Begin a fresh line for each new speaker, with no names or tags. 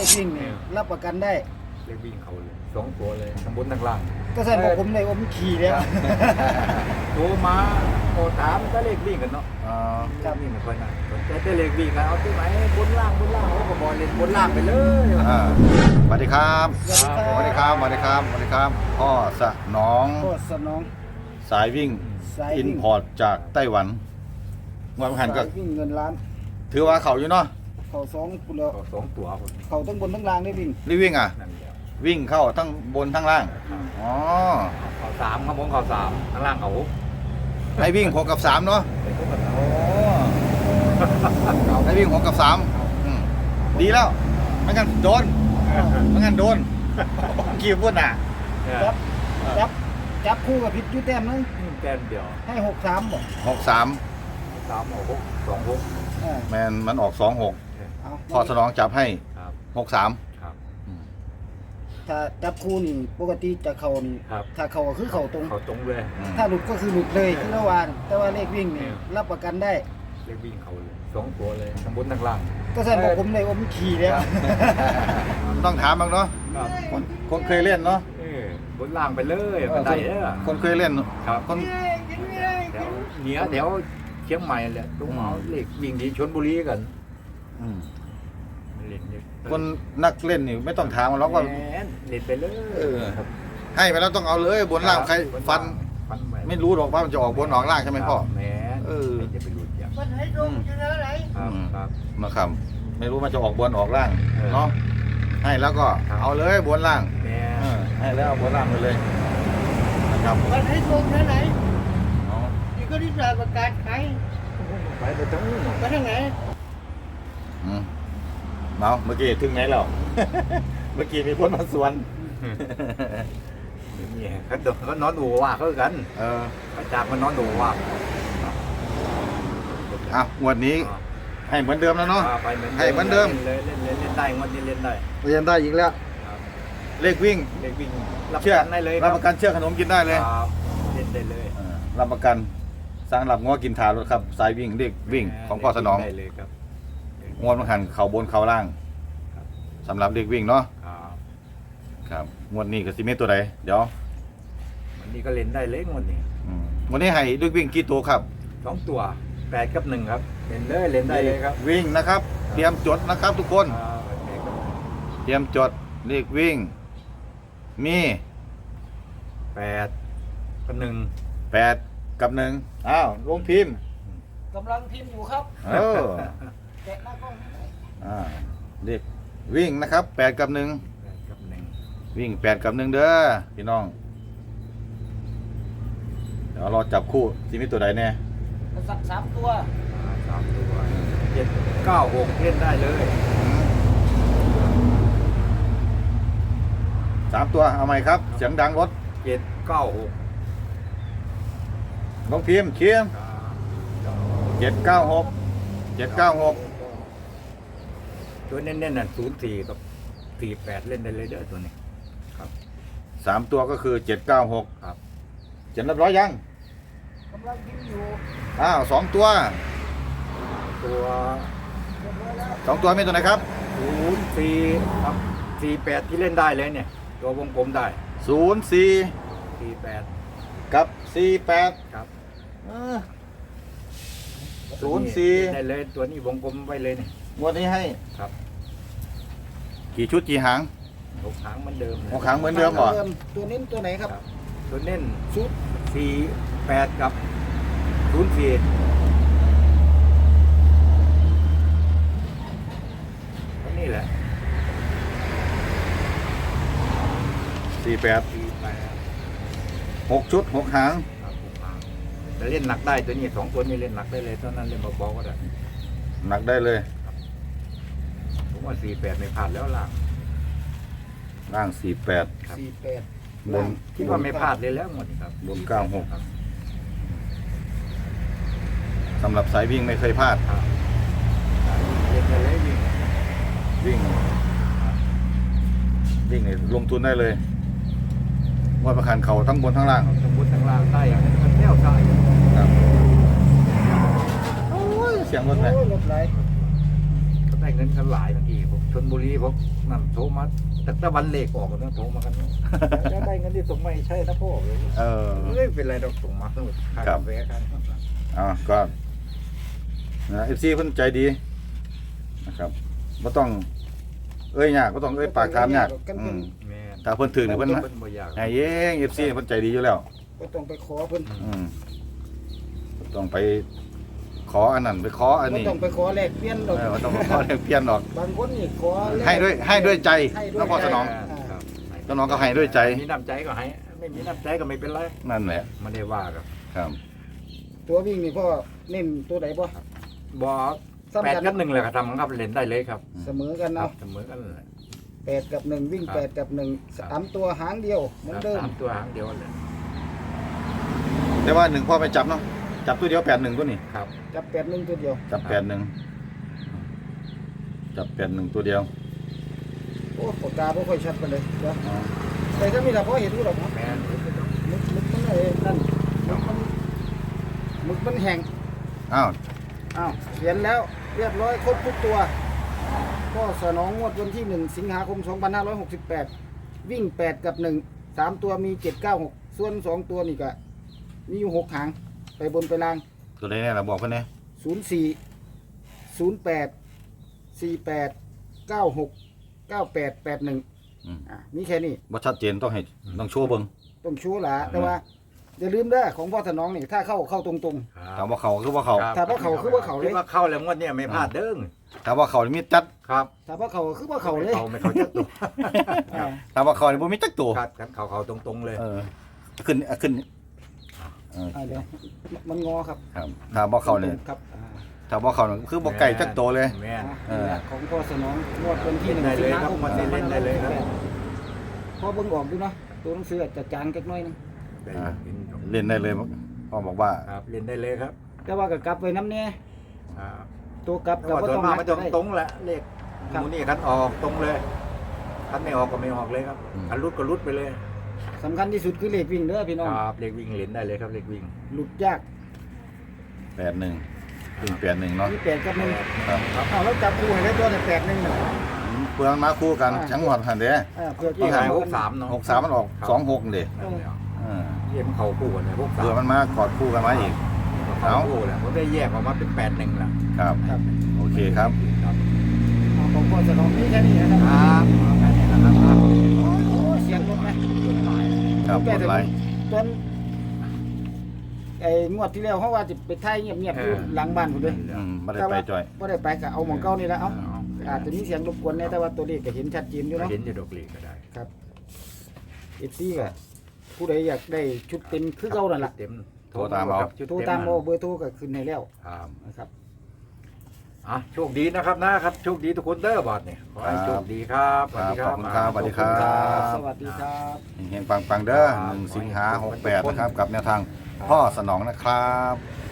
วิ่งนี่รับประกันได้
เลขวิ่งเขาเลย2 ตัวเลยทั้งบนทั้งล่าง
ก็แสดงว่าผมเลยว่ามันขี่แล้ว
โทรมาโทรถามก็เลขวิ่งกันเนาะครับวิ่งไม่ค่อยน่าแต่เลขวิ่งกันเอาที่ไหนบนล่างเขาก็บอกเล่นบนล่างไปเลย
สวัสดีครับสวัสดีครับสวัสดีครับสวัสดีครับพ่อสนองสายวิ่งอินพอร์ตจากไต้หวันวันพันก็
วิ่งเงินล้าน
ถือว่าเขาอยู่เนาะ
เขา2คุณแล้ว
2 ตัว
เขาทั้งบนทั้งล่างได้วิ่ง
รีวิ่งวิ่งเข้าทั้งบนทั้งล่างอ๋อ
เขา3ครับผมเขา3ทั้งล่างเขา
ให้วิ่ง6 กับ 3เนาะโอ้ให้วิ่ง6 กับ 3ดีแล้วไม่งั้นโดนกี่พูดน่ะ
จับคู่กับพิษยุแต้มนึง
แต้มเดียว
ให้63บ่
63
2
แมนมันออก26พอสนองจับให้63
ถ้าจับคู่นี่ปกติจะเข่านี่ถ้าเข่าก็คือเข่าต
รงเลย
ถ้าหลุดก็คือหลุดเลยที่ละวานแต่ว่าเลขวิ่งนี่รับประกันได้
เลขวิ่งเขาเลย2 ตัวเลยทั้งบนทั้งล่าง
ก็แสดงว่าผมเลยว่ามันขี่แล้ว
ต้องถามบ้างเนาะคนเคยเล่นเนาะ
บนล่างไปเลยมันได้
คนเคยเล่น
ครับคนแถวเหนือแถวเชียงใหม่แหละตรงเอาเลขวิ่งที่ชลบุรีกัน
คนนักเล่นนี่ไม่ต้องถามเราก็
เล่นไปเลย
ให้ไปแล้วต้องเอาเลยบนล่างใครฟันไม่รู้หรอกว่ามันจะออกบนออกล่างใช่ไหมพ่อ
จะไปรู้จัก
มันให้ลงจะอะไร
มาคำไม่รู้มันจะออกบนออกล่างเนาะให้แล้วก็เอาเลยบนล่างให้แล้วบนล่างไปเลยนะครับ
มันให้ลงไหนนี่ก็ที่จะประกาศขาย
ไปตรงนู้น
ไปทางไหน
เมื่อกี้ถึงไหนแล้วเมื่อกี้มีคนมาสวน
นี่เขานอนดูว่าเขากันจากมันนอนดูว่า
วันนี้ให้เหมือนเดิมแล้วเนาะให้เหมือนเดิม
เล่นได้วันนี้เล่น
ได้อีกแล้วเลขวิ่ง
รับประกันได้เลย
รับประกันเชื่อขนมกินได้เลย
เล่นได้เลย
รับประกันสร้างหลับง้อกินถารถครับสายวิ่งเลขวิ่งของพ่อสนองงวดมันหันเข่าบนเข่าล่างสำหรับเด็กวิ่งเนาะครับงวดนี้กับซีเมตตัวใดเดี๋ยว
วันนี้ก็เล่นได้เล็กวัน
นี้ให้เด็กวิ่งกี่ตัวครับ
2 ตัว8 กับ 1ครับเล่นได้เลยครับ
วิ่งนะครับเตรียมจดนะครับทุกคนเตรียมจดเลขวิ่งมี
8 กับ 1
8 กับ 1ลงพิมพ์
กำลังพิมพ์อยู่ครับแกะหน้ากล้อง
เลขวิ่งนะครับ8 กับ 1วิ่ง8 กับ 1เด้อพี่น้องเดี๋ยวเราจับคู่ซีมิตตัวใดแน่
3 ตัว
7 9 6เล่นได้เลย
3 ตัวเอาใหม่ครับเสียงดังรถ
7 9 6
ลงพิมพ์เขียน796
ตัวเน้นๆน่ะ04 กับ 48เล่นได้เลยเด้อตัวนี้ครับ
3 ตัวก็คือ796
ครับ
เขียนเรียบร้อยยัง
กำลังพิมพ์อยู่
2 ตัวมีตัวไหนครับ
04ครับ48ที่เล่นได้เลยเนี่ยตัววงกลมได้
48กับ48
ครับ
04
ได้เลยตัวนี้วงกลมไว้เลยเนี่ย
งวดนี้ให้
ครับ
กี่ชุดกี่หาง
6 หางเหมือนเดิม
6 หางเหมือนเดิมเหรอ
ตัวเน้นตัวไหนครับ
ตัวเน้นชุด48กับ04นี่แหละ
6 ชุด 6 หาง
จะเล่นหนักได้ตัวนี้2 ตัวนี้เล่นหนักได้เลยตอนนั้นเล่นเบาๆก็ได้
หนักได้เลย
ผมว่า48ไม่พลาดแล้ว
ล่าง
48
บน
คิดว่าไม่พลาดเลยแล้วหมดครับ
บน96สำหรับสายวิ่งไม่เคยพลาด
เล่นได้เลย
วิ่งเนี่ยลงทุนได้เลยว่าประคันเขาทั้งบนทั้งล่าง
ได้อย่างนี้มันแน่วได้
ครับโอ้ยเสียงรถไหม
รถไหล
ได้เงินกันหลายบางทีผมชลบุรีผมนั่นโทรมาแต่วันเลขออกกันนะโทรมากันแล้วได้เงินที่ส่งมาใช่นะพ่อเลย ไม่เป็นไรเราส่งมาทั้งหมดค่าแฟกัน
ก็นะเอฟซีเพิ่นใจดีนะครับบ่ต้องเอ้ยยากบ่ต้องเอ้ยปากถามยาก
แม่
ถ้าเพิ่นถึงเนี่ยเพิ่น
บ่อยาก
ให้เองเอฟซีเพิ่นใจดีอยู่แล้ว
ก็ต้องไปขอเพิ่น
บ่ต้องไปขออันนั้นไปขออัน
บ่
นี้
ต้องไปขอแลกเปลี่ยนดอก
บ่ต้องไปขอเปลี่ยนหรอก
บางคนนี่ขอแลก
ให้ด้วยใจ
ให้ด้วย
แล้วพอสนอง
ครับ
สนองก็ให้ด้วยใจ
มีน้ำใจก็ให้ไม่มีน้ำใจก็ไม่เป็นไร
นั่นแหละ
ไม่ได้ว่าครับ
ครับ
ตัววิ่งนี่พ่อเน้นตัวไหนบ่
บ่8 กับ 1เลยครับทำครับเล่นได้เลยครับ
เสมอกัน
ครั
เนาะ
บเสมอกันเลย
8กับ1วิ่ง
ครับ
8กับ1 3ตัวหางเดียวเหมือนเดิม
สามตัวหางเดียวเลย
แต่ว่า1พ่อไปจับเนาะจับตัวเดียว81ตัวนี้
ครับ
จับ8 1ตัวเดียว
จับ81จับ81ตัวเดียว
โอ้ปากกาบ่ค่อยชัดปานใดเดี๋ยวแต่ก็มีล่ะพอเห็นอยู่ดอกเนาะ
แม่น
มึกมันไอ้นั่นมึกมันแห้ง
อ้าว
อ้าวเขียนแล้วเรียบร้อยครบทุกตัวก็สนองงวดวันที่1สิงหาคม2568วิ่ง8กับ1 3ตัวมี796ส่วน2ตัวนี่ก็มีอยู่6หางไปบนไปล่าง
ตัวใดเนี่ยเราบอกเพิ่นแน่
04 08 48 96 98 81มีแค่นี้
บ่ชัดเจนต้องโชว์เบิ่ง
ต้องชูหละแต่ว่าอย่าลืมเด้อของพ่อสนองนี่ถ้าเข้าตรง
ถามว่าเขาคือว่าเขา
ถ้าว่าเขาคือว่าเขาเลย
คิดว่าเข้าแล้วงวดเนี้ไม่พลาดเด้ง
ถามว่าเขานี่มีจัด
ครับ
ๆถ้าว่าเขาคือว่าเขาเลย
ไม่เขาจักตัว
อ่า
ถามว่าเขานี่บ่มีจักตัว
ครับกันเขาตรงๆเลย
ขึ้น
เดี๋ยวมันงอครับ
ครับถามว่าเขานี่
ครับ
ถามว่าเขานี่คือบ่ไก่จักตัวเลย
แม่น
นี่แหละของพ่อสนองงวดวันที่
เล่นได้
1
เล
สิง
ย
หา
ครับ
คม
มันเล่นได้เลยครับ
พอเบิ่งออกดูเนาะตัวหนังสืออาจจะจางจักหน่อยนึง
เล่นได้เลยพ่อบอกว่า
ครับเล่นได้เลยครับ
แต่ว่าก็กลับไว้น้ำแน่
ครับ
ตัวกลับ
แต่ว่าส่วนมากมันจะตรงแหละเลข
ครับ
หมูนี่คันออกตรงเลยคันไม่ออกก็ไม่ออกเลยครับคันรุดก็รุดไปเลย
สำคัญที่สุดคือเลขวิ่งเด้อพี่น้อง
ครับเลขวิ่งเล่นได้เลยครับเลขวิ่ง
หลุดยาก
81วิ่ง81เนาะ
มี8กับ1
ครับ
เอาแล้วจับคู่ให้ได้ตัวแต่8 1น่ะ
เพื่อนมาคู่กันจังหวัดหั่นเด้
เพื่อ
ที่
ที่
หาย
หา
63เนาะ
63มันออก26เด้
นั่นแหละ
เ
เยี่ยมเขาคู่กันเลย63
พื่อมันมากอดคู่กันมาอีก
เขาคู่แหละผมได้แยกออกมาเป็น81ละ
ครับ
ครับ
โอเคครับ
ครับ
ของพ่อสนองมีแค่นี้นะค
ครับ รับแค่นี้นะครับ
โอ้เสียงรถไหม
ครับกดไลค์
ตอนไอ้งวดที่แล้วเขาว่าจะไปถ่ายเงียบๆอยู่หลังบ้านผมเลย
ไม่ได้ไปจ่อย
บ่ได้ไปก็เอาหมองเก่านี่แหละเอาอาจจะมีเสียงรบกวนแน่แต่ว่าตัวเลขก็เห็นชัดเจนอยู่เนาะ
เห็นจะดอกลีก็ได้
ครับเอฟซีก็ผู้ใดอยากได้ชุดเต็มคือเก่านั่นล่ะ
เต็ม
โทรตามเอา
โทรตามเบอร์โทรก็ขึ้นให้แล้ว
ครับ
นะครับ
โชคดีนะครับนะครับโชคดีทุกคนเด้อบอดเนี่ยขอให้โชคดีครับสวัสดีครับ
ขอบคุณครับสวัสดีครับ
สวัสดีครับ
เฮงๆปังๆเด้อ1 สิงหา 68นะครับกับแนวทางพ่อสนองนะครับ